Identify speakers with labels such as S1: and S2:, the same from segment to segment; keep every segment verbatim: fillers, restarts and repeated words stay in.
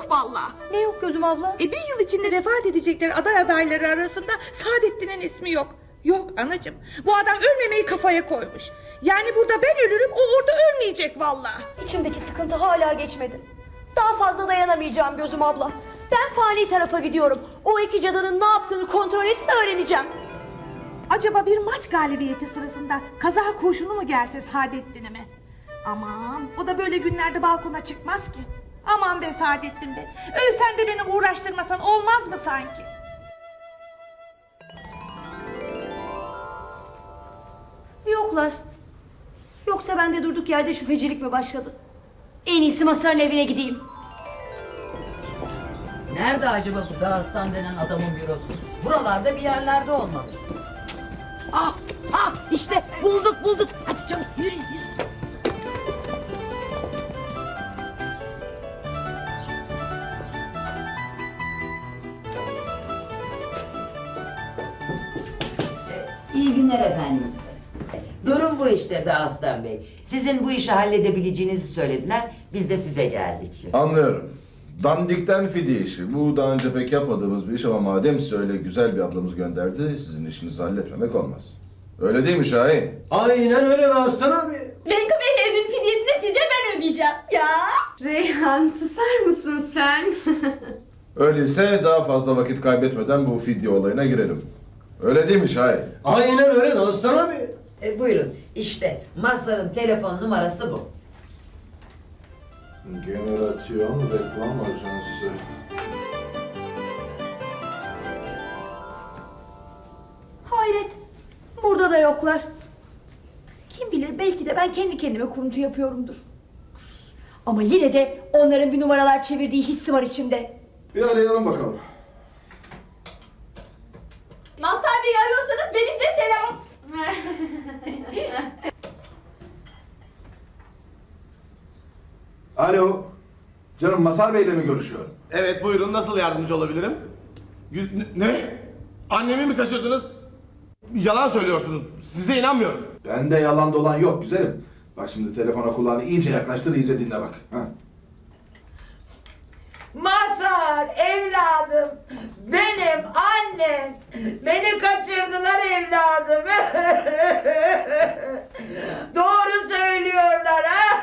S1: yok vallahi.
S2: Ne yok gözüm abla?
S1: E bir yıl içinde vefat edecekler aday adayları arasında Saadettin'in ismi yok. Yok anacığım, bu adam ölmemeyi kafaya koymuş. Yani burada ben ölürüm, o orada ölmeyecek vallahi.
S2: İçimdeki sıkıntı hala geçmedi. Daha fazla dayanamayacağım gözüm abla. Ben fani tarafa gidiyorum. O iki cadının ne yaptığını kontrol edip öğreneceğim.
S1: Acaba bir maç galibiyeti sırasında kaza kurşunu mu gelse Saadettin'e mi? Aman, o da böyle günlerde balkona çıkmaz ki. Aman be Saadettin be, ölsen de beni uğraştırmasan olmaz mı sanki?
S2: Yoklar. Yoksa bende durduk yerde şüphecilik mi başladı? En iyisi Masar'ın evine gideyim.
S3: Nerede acaba bu Dağıstan denen adamın bürosu? Buralarda bir yerlerde olmalı. Ah, ah işte bulduk bulduk. Hadi çabuk yürü yürü. İyi günler efendim. Durum bu işte Dağıstan Bey. Sizin bu işi halledebileceğinizi söylediler. Biz de size geldik.
S4: Anlıyorum. Dandikten fidye işi. Bu daha önce pek yapmadığımız bir iş ama madem size öyle güzel bir ablamız gönderdi, sizin işinizi halletmemek olmaz. Öyle değil mi Şahin?
S5: Aynen öyle Aslan abi.
S6: Menkıbe teyzenin fidyesini size ben ödeyeceğim. Ya.
S7: Reyhan susar mısın sen?
S4: Öyleyse daha fazla vakit kaybetmeden bu fidye olayına girelim. Öyle değil mi Şahin?
S5: Aynen öyle Aslan abi.
S3: E, buyurun işte Mazhar'ın telefon numarası bu.
S4: Generasyon Reklam Ajansı.
S2: Hayret. Burada da yoklar. Kim bilir belki de ben kendi kendime kuruntu yapıyorumdur. Ama yine de onların bir numaralar çevirdiği hissi var içimde.
S4: Bir arayalım bakalım.
S6: Mazhar Bey arıyorsanız benim de selam.
S4: Alo. Canım Masar Bey'le mi görüşüyorum?
S8: Evet buyurun, nasıl yardımcı olabilirim? Gü- Ne? ne? Annemi mi kaçırdınız? Yalan söylüyorsunuz. Size inanmıyorum.
S4: Bende yalan dolan yok güzelim. Bak şimdi telefona kulağını iyice yaklaştır, iyice dinle bak. Ha.
S3: Mazhar evladım, benim annem, beni kaçırdılar evladım. Doğru söylüyorlar.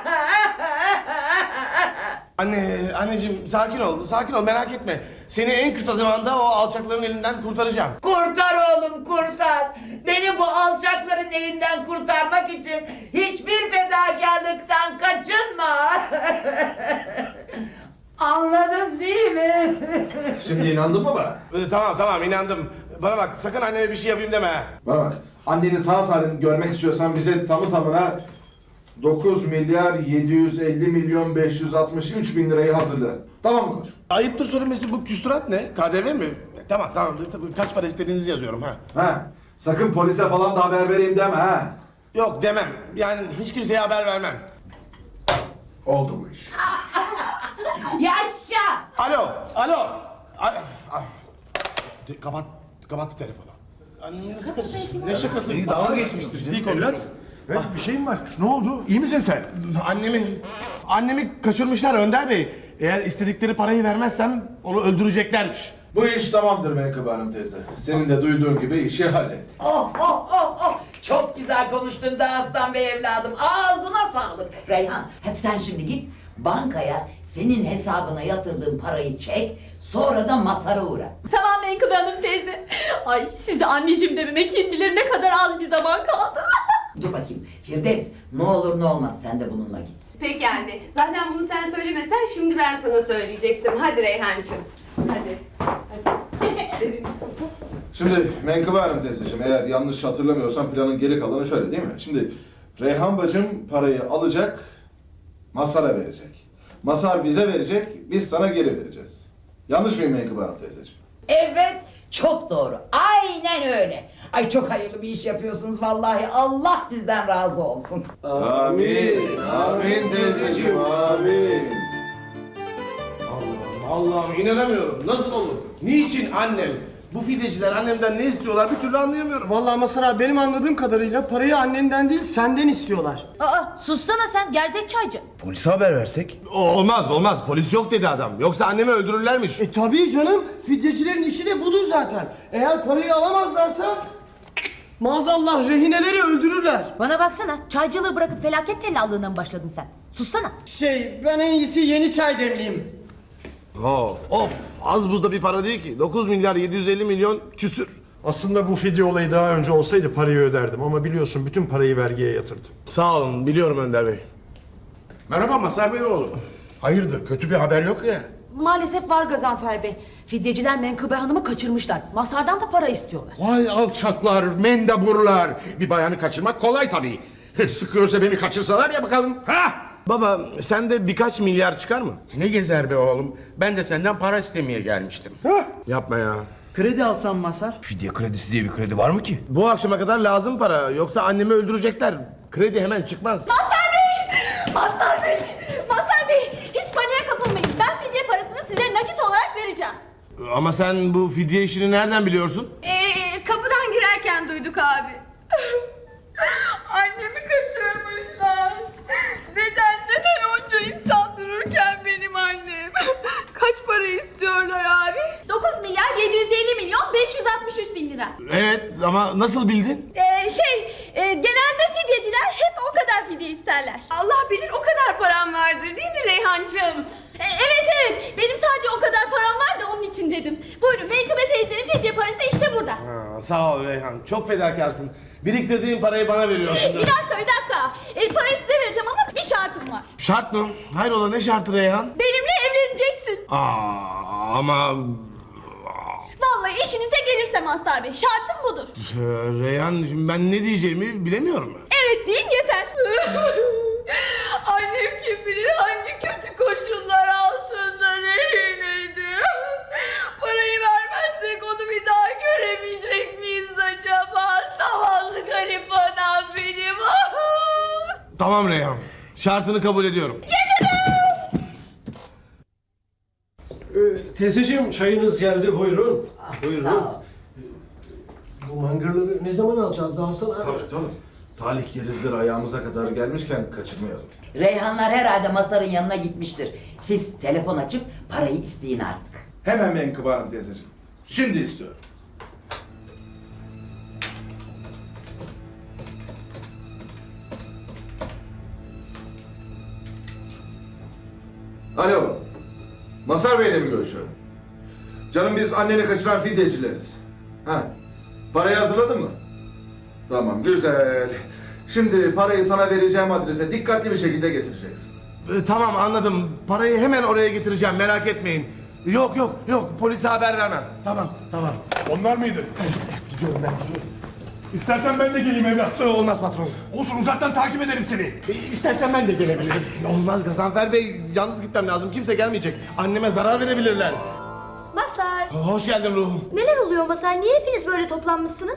S8: Anne, anneciğim sakin ol, sakin ol, merak etme. Seni en kısa zamanda o alçakların elinden kurtaracağım.
S3: Kurtar oğlum kurtar. Beni bu alçakların elinden kurtarmak için hiçbir fedakarlıktan kaçınma. Anladın değil mi?
S4: Şimdi inandın mı bana?
S8: Ee, tamam tamam inandım. Bana bak, sakın anneme bir şey yapayım deme ha.
S4: Bana bak, anneni sağ salim görmek istiyorsan bize tamı tamına dokuz milyar yedi yüz elli milyon beş yüz altmış üç bin lirayı hazırla. Tamam mı koç?
S8: Ayıptır söylemesi, bu küstürat ne? K D V mi? E, Tamam tamam, tabii kaç para istediğinizi yazıyorum ha.
S4: Ha, sakın polise falan da haber vereyim deme ha.
S8: Yok demem, yani hiç kimseye haber vermem.
S4: Oldu bu iş.
S3: Yaşa!
S8: Alo, alo. Ay, ay. De- Kapat, kapattı telefonu. Annem nasıl kaçırdın? Ne şakası?
S5: Dalga geçmiştir
S8: Ciddi konuşuyorum.
S5: Evet bir şeyin var. Ne oldu? İyi misin sen?
S8: Annemi, annemi kaçırmışlar Önder Bey. Eğer istedikleri parayı vermezsem onu öldüreceklermiş.
S4: Bu iş tamamdır Menkıbe Hanım teyze. Senin de duyduğun gibi işi hallettik.
S3: Oh oh oh oh! Çok güzel konuştun Dağıstan Bey evladım. Ağzına sağlık. Reyhan, hadi sen şimdi git bankaya senin hesabına yatırdığın parayı çek. Sonra da Mazhar'a uğra.
S6: Tamam Menkıbe Hanım teyze. Ay size anneciğim dememe kim bilir ne kadar az bir zaman kaldı.
S3: Dur bakayım Firdevs, ne olur ne olmaz sen de bununla git.
S7: Peki anne. Zaten bunu sen söylemesen şimdi ben sana söyleyecektim. Hadi Reyhancığım. Hadi. Hadi.
S4: Şimdi Menkıbe Hanım teyzeciğim, eğer yanlış hatırlamıyorsam planın geri kalanı şöyle değil mi? Şimdi Reyhan bacım parayı alacak, Mazhar'a verecek. Mazhar bize verecek, biz sana geri vereceğiz. Yanlış mıyım Menkıbe Hanım teyzeciğim?
S3: Evet, çok doğru. Aynen öyle. Ay çok hayırlı bir iş yapıyorsunuz vallahi. Allah sizden razı olsun.
S4: Amin, amin teyzeciğim, amin.
S8: Allah'ım Allah'ım inanamıyorum. Nasıl olur? Niçin annem Bu fideciler annemden ne istiyorlar bir türlü anlayamıyorum.
S5: Vallahi Mazhar abi benim anladığım kadarıyla parayı annenden değil senden istiyorlar.
S6: Aa sussana sen gerzek çaycı.
S8: Polise haber versek? Olmaz olmaz polis yok dedi adam. Yoksa annemi öldürürlermiş.
S5: E tabii canım, fidyecilerin işi de budur zaten. Eğer parayı alamazlarsa maazallah rehineleri öldürürler.
S6: Bana baksana çaycılığı bırakıp felaket tellallığına mı başladın sen? Sussana.
S5: Şey, ben en iyisi yeni çay demleyeyim.
S8: Of of az buzda bir para değil ki. dokuz milyar yedi yüz elli milyon küsür.
S9: Aslında bu fidye olayı daha önce olsaydı parayı öderdim ama biliyorsun bütün parayı vergiye yatırdım.
S8: Sağ olun biliyorum Önder Bey.
S10: Merhaba Mazhar Bey oğlum. Hayırdır kötü bir haber yok ya.
S6: Maalesef var Gazanfer Bey. Fidyeciler Menkıbe Hanım'ı kaçırmışlar. Masardan da para istiyorlar.
S10: Vay alçaklar, mendeburlar. Bir bayanı kaçırmak kolay tabii. Sıkıyorsa beni kaçırsalar ya bakalım. Ha?
S8: Baba sende birkaç milyar çıkar mı?
S10: Ne gezer be oğlum. Ben de senden para istemeye gelmiştim.
S8: Yapma ya.
S5: Kredi alsam Mazhar?
S10: Fidye kredisi diye bir kredi var mı ki?
S8: Bu akşama kadar lazım para. Yoksa annemi öldürecekler. Kredi hemen çıkmaz.
S6: Mazhar Bey! Mazhar Bey! Mazhar Bey! Hiç paniğe kapılmayın. Ben fidye parasını size nakit olarak vereceğim.
S8: Ama sen bu fidye işini nereden biliyorsun?
S7: Ee, kapıdan girerken duyduk abi. Annemi kaçırmışlar. Neden, neden onca insan dururken benim annem? Kaç para istiyorlar abi?
S6: dokuz milyar yedi yüz elli milyon beş yüz altmış üç bin lira.
S8: Evet ama nasıl bildin?
S6: Ee, şey, e, genelde fidyeciler hep o kadar fidye isterler.
S7: Allah bilir o kadar param vardır değil mi Reyhancığım?
S6: E, evet evet, benim sadece o kadar param var da onun için dedim. Buyurun, Menkıbe teyzenin fidye parası işte burada.
S8: Ha, sağ ol Reyhan. Çok fedakarsın. Biriktirdiğin parayı bana veriyorsun.
S6: Bir dakika, bir dakika. E, parayı size vereceğim ama bir şartım var.
S8: Şart mı? Hayrola ne şartı Reyhan?
S6: Benimle evleneceksin.
S8: Aa, ama...
S6: Vallahi işinize gelirse Mazhar Bey, şartım budur.
S8: Ee, Reyhan şimdi ben ne diyeceğimi bilemiyorum.
S6: Evet deyin yeter.
S7: Annem kim bilir hangi kötü koşullar altında rehineydi. Parayı vermezsek onu bir daha göremeyecek miyiz acaba? Zavallı garip anam benim.
S8: Tamam Reyhan. Şartını kabul ediyorum.
S5: Ee, teyzeciğim çayınız geldi buyurun. Buyurun.
S3: Sağ ol.
S5: Bu mangırları ne zaman alacağız daha sonra?
S4: Sabret oğlum. Talih gerizleri ayağımıza kadar gelmişken kaçırmayalım.
S3: Reyhanlar herhalde Masar'ın yanına gitmiştir. Siz telefon açıp parayı isteyin artık.
S4: Hemen Menkıbe Hanım teyzeciğim. Şimdi istiyorum. Alo. Mazhar Bey'le mi görüşüyorum? Canım biz anneni kaçıran fidyecileriz. Ha. Parayı hazırladın mı? Tamam güzel. Şimdi parayı sana vereceğim adrese dikkatli bir şekilde getireceksin.
S8: Ee, tamam anladım. Parayı hemen oraya getireceğim merak etmeyin. Yok yok yok polise haber vermem. Tamam tamam.
S9: Onlar mıydı?
S8: Gidiyorum ben gidiyorum.
S9: İstersen ben de geleyim evlat.
S8: Olmaz patron.
S9: Olsun uzaktan takip ederim seni.
S8: Ee, İstersen ben de gelebilirim. Olmaz Gazanfer Bey. Yalnız gitmem lazım. Kimse gelmeyecek. Anneme zarar verebilirler.
S2: Mazhar,
S8: Hoş geldin ruhum.
S2: neler oluyor Mazhar? Niye hepiniz böyle toplanmışsınız?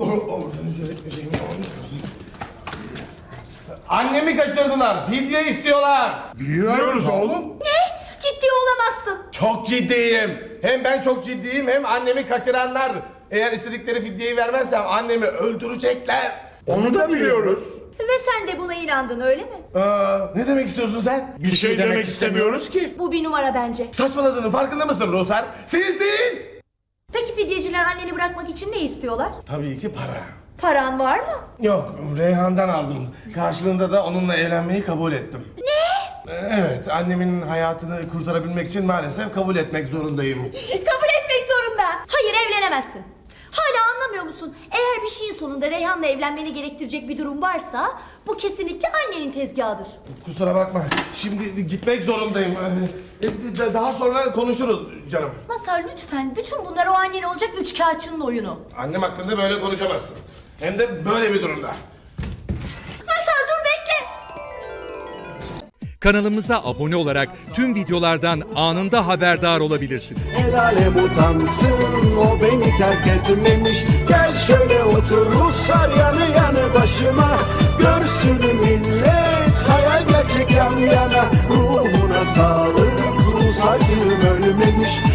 S8: Annemi kaçırdılar. Fidye istiyorlar.
S9: Biliyoruz oğlum.
S2: Ne? Ciddi olamazsın.
S8: Çok ciddiyim. Hem ben çok ciddiyim hem annemi kaçıranlar. Eğer istedikleri fidyeyi vermezsem annemi öldürecekler.
S9: Onu da biliyoruz.
S2: Ve sen de buna inandın öyle mi?
S8: Aa, ne demek istiyorsun sen?
S9: Bir şey demek istemiyoruz ki.
S2: Bu bir numara bence.
S8: Saçmaladığının farkında mısın Ruhsar? Siz değil.
S2: Peki fidyeciler anneni bırakmak için ne istiyorlar?
S8: Tabii ki para.
S2: Paran var mı?
S8: Yok, Reyhan'dan aldım. Karşılığında da onunla evlenmeyi kabul ettim.
S2: Ne?
S8: Evet, annemin hayatını kurtarabilmek için maalesef kabul etmek zorundayım.
S2: Kabul etmek zorunda. Hayır evlenemezsin. Hala anlamıyor musun? Eğer bir şeyin sonunda Reyhan'la evlenmeni gerektirecek bir durum varsa bu kesinlikle annenin tezgahıdır.
S8: Kusura bakma, şimdi gitmek zorundayım. Ee, Daha sonra konuşuruz canım.
S2: Mazhar lütfen bütün bunlar o annen olacak üçkağıtçının oyunu.
S8: Annem hakkında böyle konuşamazsın. Hem de böyle bir durumda.
S2: Mazhar dur bekle.
S11: Kanalımıza abone olarak tüm videolardan anında haberdar olabilirsiniz.
S12: El alem utansın o beni terk etmemiş. Gel şöyle otur Ruslar yanı yanı başıma. Görsün millet hayal gerçek yan yana. Ruhuna sağlık Rus acım ölmemiş.